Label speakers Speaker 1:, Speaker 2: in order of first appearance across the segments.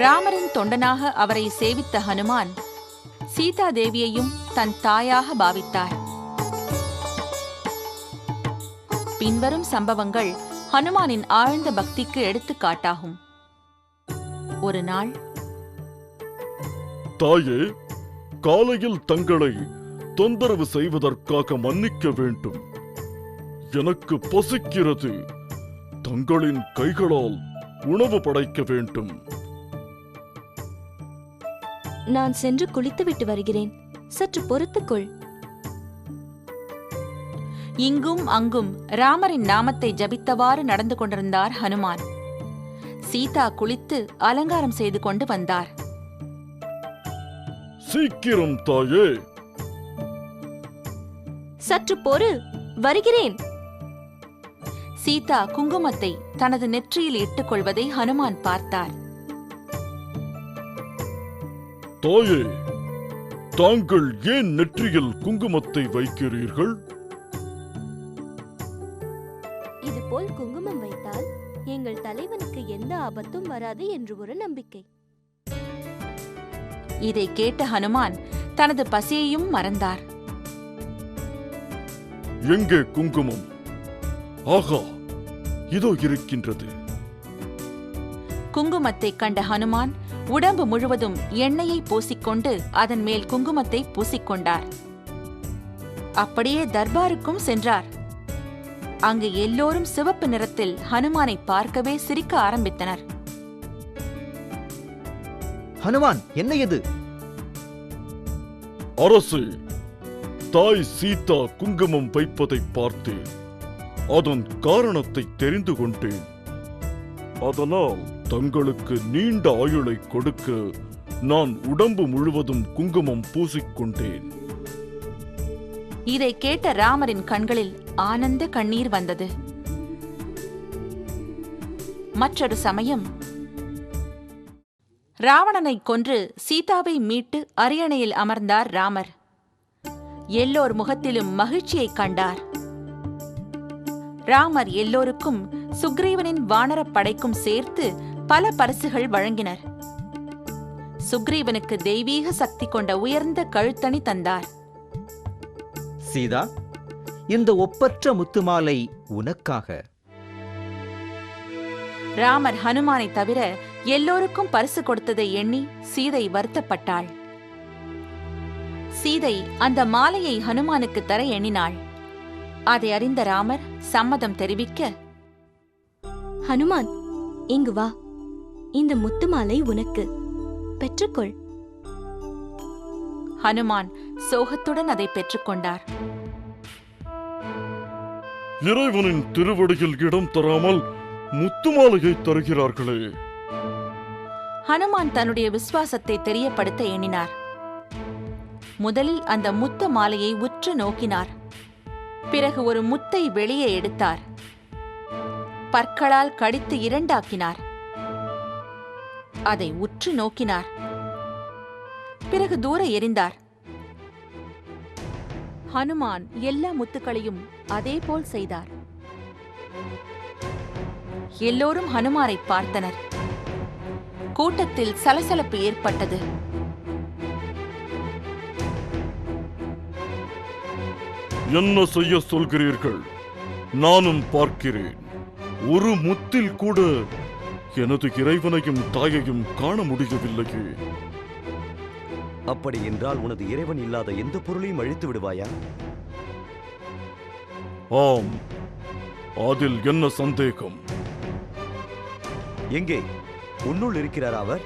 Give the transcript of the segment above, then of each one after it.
Speaker 1: ராமரின் தொண்டனாக அவரை சேவித்த ஹனுமான் சீதா தேவியையும் தன் தாயாக பாவித்தார். பின்வரும் சம்பவங்கள் ஹனுமானின் ஆழ்ந்த பக்திக்கு எடுத்துக்காட்டாகும். ஒரு நாள்,
Speaker 2: தாயே, காலையில் தங்களை தொந்தரவு செய்வதற்காக மன்னிக்க வேண்டும். எனக்கு பசிக்கிறது. தங்களின் கைகளால் உணவு படைக்க வேண்டும்.
Speaker 3: நான் சென்று குளித்துவிட்டு வருகிறேன், சற்று பொறுத்துக்கொள்.
Speaker 1: இங்கும் அங்கும் ராமரின் நாமத்தை ஜபித்தவாறு நடந்து கொண்டிருந்தார் ஹனுமான். சீதா குளித்து அலங்காரம் செய்து கொண்டு வந்தார்.
Speaker 2: சீக்கிரம் தாயே.
Speaker 3: சற்று பொறு, வருகிறேன்.
Speaker 1: சீதா குங்குமத்தை தனது நெற்றியில் இட்டுக் கொள்வதை ஹனுமான் பார்த்தார்.
Speaker 2: தாயே, தாங்கள் ஏன் நெற்றியில் குங்குமத்தை வைக்கிறீர்கள்?
Speaker 3: இதுபோல் குங்குமம் வைத்தால் எங்கள் தலைவனுக்கு எந்த ஆபத்தும் வராது என்று ஒரு நம்பிக்கை.
Speaker 1: இதை கேட்ட ஹனுமான் தனது பசியையும் மறந்தார்.
Speaker 2: எங்கே குங்குமம்? ஆகா, இதோ இருக்கின்றது.
Speaker 1: குங்குமத்தை கண்ட ஹனுமான் உடம்பு முழுவதும் எண்ணெயை பூசிக்கொண்டு அதன் மேல் குங்குமத்தை பூசிக்கொண்டார். அப்படியே தர்பாருக்கும் சென்றார். அங்கு எல்லோரும் சிவப்பு நிறத்தில் ஹனுமானை பார்க்கவே சிரிக்க ஆரம்பித்தனர்.
Speaker 4: ஹனுமான், என்ன இது?
Speaker 2: அரசே, தாய் சீதா குங்குமம் வைப்பதை பார்த்தேன். அதன் காரணத்தை தெரிந்து கொண்டேன். அதனால் தங்களுக்கு நீண்ட ஆயுளை கொடுக்க நான் உடம்பு முழுவதும் குங்குமம் பூசிக்கொண்டேன்.
Speaker 1: இதை கேட்ட ராமரின் கண்களில் ஆனந்த கண்ணீர் வந்தது. மற்றொரு சமயம், ராவணனை கொன்று சீதாவை மீட்டு அரியணையில் அமர்ந்தார் ராமர். எல்லோர் முகத்திலும் மகிழ்ச்சியை கண்டார். ராமர் எல்லோருக்கும் சுக்ரீவனின் வானரப் படைக்கும் சேர்த்து பல பரிசுகள் வழங்கினர். சுக்ரீவனுக்கு தெய்வீக சக்தி கொண்ட உயர்ந்த கழுத்தணி தந்தார்.
Speaker 4: சீதா, இந்த ஒப்பற்ற முத்துமாலை உனக்காக.
Speaker 1: ராமர் ஹனுமானை தவிர எல்லோருக்கும் பரிசு கொடுத்ததை எண்ணி சீதை வருத்தப்பட்டாள். சீதை அந்த மாலையை ஹனுமானுக்கு தர எண்ணினாள். அதை அறிந்த ராமர் சம்மதம் தெரிவிக்க,
Speaker 3: ஹனுமான், இங்கு வா. இந்த முத்து மாலை உனக்கு, பெற்றுக்கொள்.
Speaker 1: ஹனுமான் சோகத்துடன் அதை பெற்றுக்கொண்டார்.
Speaker 2: இறைவனின் திருவடியில் இடம் தராமல் முத்துமாலையை தருகிறார்களே.
Speaker 1: ஹனுமான் தன்னுடைய விசுவாசத்தை தெரியப்படுத்த எண்ணினார். முதலில் அந்த முத்து மாலையை உற்று நோக்கினார். பிறகு ஒரு முத்தை வெளியே எடுத்தார். பற்களால் கடித்து இரண்டாக்கினார். அதை உற்று நோக்கினார். பிறகு தூர எறிந்தார். ஹனுமான் எல்லா முத்துக்களையும் அதேபோல் செய்தார். எல்லோரும் ஹனுமாரை பார்த்தனர். கூட்டத்தில் சலசலப்பு ஏற்பட்டது.
Speaker 2: என்ன செய்ய சொல்கிறீர்கள்? நானும் பார்க்கிறேன். ஒரு முத்தில் கூட எனது இறைவனையும் தாயையும் காண முடியவில்லையே.
Speaker 5: அப்படி என்றால் உனது இறைவன் இல்லாத எந்த பொருளையும் அழித்து விடுவாயா?
Speaker 2: ஆம், அதில் என்ன சந்தேகம்?
Speaker 5: எங்கே? உன்னுள் இருக்கிறார் அவர்?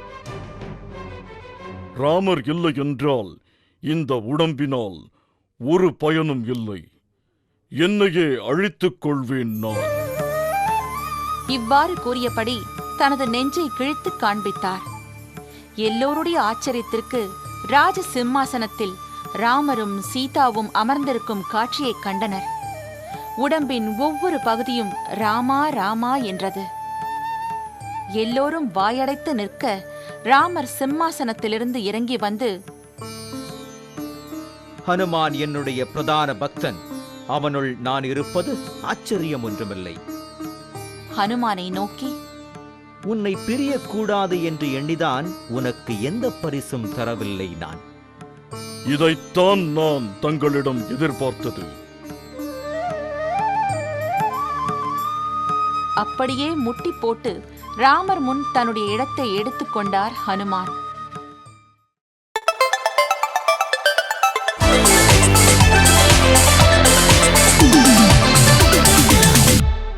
Speaker 2: ராமர் இல்லை என்றால் இந்த உடம்பினால் ஒரு பயனும் இல்லை. என்னையே அழித்துக் கொள்வேன் நான்.
Speaker 1: இவ்வாறு கூறியபடி தனது நெஞ்சை கிழித்துக் காண்பித்தார். எல்லோருடைய ஆச்சரியத்திற்கு ராஜ சிம்மாசனத்தில் ராமரும் சீதாவும் அமர்ந்திருக்கும் காட்சியைக் கண்டனர். உடம்பின் ஒவ்வொரு பகுதியும் ராமா ராமா என்றது. எல்லோரும் வாயடைத்து நிற்க ராமர் சிம்மாசனத்திலிருந்து இறங்கி வந்து,
Speaker 4: ஹனுமான் என்னுடைய பிரதான பக்தன். அவனுள் நான் இருப்பது ஆச்சரியம் ஒன்றுமில்லை.
Speaker 1: ஹனுமானை நோக்கி,
Speaker 4: உன்னை பிரியக்கூடாது என்று எண்ணிதான் உனக்கு எந்த பரிசும் தரவில்லை நான்.
Speaker 2: இதைத்தான் நான் தங்களிடம் எதிர்பார்த்தது.
Speaker 1: அப்படியே முட்டி போட்டு ராமர் முன் தன்னுடைய இடத்தை எடுத்துக்கொண்டார் ஹனுமான்.